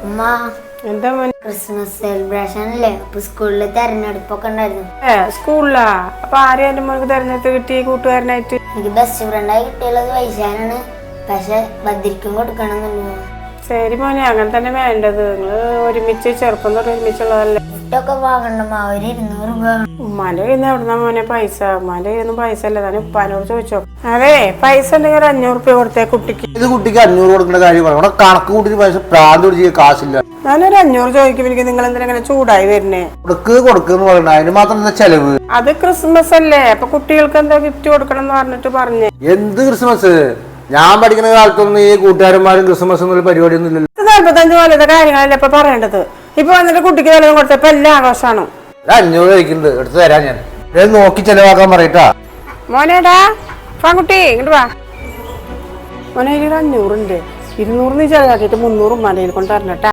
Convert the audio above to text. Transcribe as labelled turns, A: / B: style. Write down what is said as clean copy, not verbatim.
A: ഉമ്മ
B: എന്താ മോനെ?
A: ക്രിസ്മസ് സെലിബ്രേഷൻ അല്ലേ? അപ്പൊ സ്കൂളില് തെരഞ്ഞെടുപ്പൊക്കെ ഉണ്ടായിരുന്നു.
B: സ്കൂളിലാ? അപ്പൊ ആരെയും എന്റെ മോനക്ക് തെരഞ്ഞെടുത്ത് കിട്ടി കൂട്ടുകാരനായിട്ട്?
A: എനിക്ക് ബെസ്റ്റ് ഫ്രണ്ടായി കിട്ടിയുള്ളത് വൈശാനാണ്. പക്ഷെ ബദ്രിക്കും കൊടുക്കണമെന്നുള്ളൂ.
B: ശരി മോനെ, അങ്ങനെ തന്നെ വേണ്ടത്. നിങ്ങള് ഒരുമിച്ച് ചെറുപ്പം തൊട്ട് ഒരുമിച്ചുള്ളതല്ലേ.
A: ഗിഫ്റ്റൊക്കെ വാങ്ങണ്ടമ്മ. ഒരു 200 രൂപ.
B: ഉമ്മാന്റെ കയ്യിൽ നിന്ന് എവിടുന്ന മോനെ പൈസ? ഉമ്മാന്റെ കയ്യിൽ നിന്നും പൈസ അല്ലേ, താൻ ഉപ്പാനോട് ചോദിച്ചോ. അതെ, പൈസ ഉണ്ടെങ്കിൽ ഒരു 500 രൂപ കൊടുത്തേ കുട്ടിക്ക്.
C: ഇത് കുട്ടിക്ക് 500 കൊടുക്കേണ്ട കാര്യം ഇവിടെ കണക്ക് കൂട്ടി പൈസ പ്രാന്ത് പിടിച്ച് കാശില്ല.
B: ഞാനൊരു 500 ചോദിക്കും. എനിക്ക് നിങ്ങൾ എന്തിനാ ഇങ്ങനെ ചൂടായി വരുന്നേ?
C: കൊടുക്കുന്നു പറയണ അതിന് മാത്രം എന്താ ചെലവ്?
B: അത് ക്രിസ്മസ് അല്ലേ, അപ്പൊ കുട്ടികൾക്ക് എന്താ ഗിഫ്റ്റ് കൊടുക്കണം എന്ന് പറഞ്ഞിട്ട് പറഞ്ഞേ.
C: എന്ത് ക്രിസ്മസ്? ഞാൻ പഠിക്കുന്ന കാലത്തൊന്നും ഈ കൂട്ടുകാരന്മാരും ക്രിസ്മസ് എന്നുള്ള പരിപാടിയൊന്നും ഇല്ലല്ലോ.
B: 45 പോലത്തെ കാര്യങ്ങളല്ലേ ഇപ്പൊ പറയേണ്ടത്. ഇപ്പൊ വന്നിട്ട് കുട്ടിക്ക് വല്ലതും കൊടുത്തപ്പോ എല്ലാം ആഘോഷമാണ്.
C: 500 കഴിക്കുന്നത് എടുത്ത് തരാം ഞാൻ. നോക്കി ചെലവാക്കാൻ പറയട്ടാ.
B: മോനേടാ പാൻകുട്ടി ഇങ്ങോട്ട് വാ. മോനെ, 500 ഉണ്ട്. 200 നീ ചെലവാക്കിയിട്ട് 300 ഉമ്മാൻ്റെ കയ്യിൽ കൊണ്ട് തരണട്ടാ.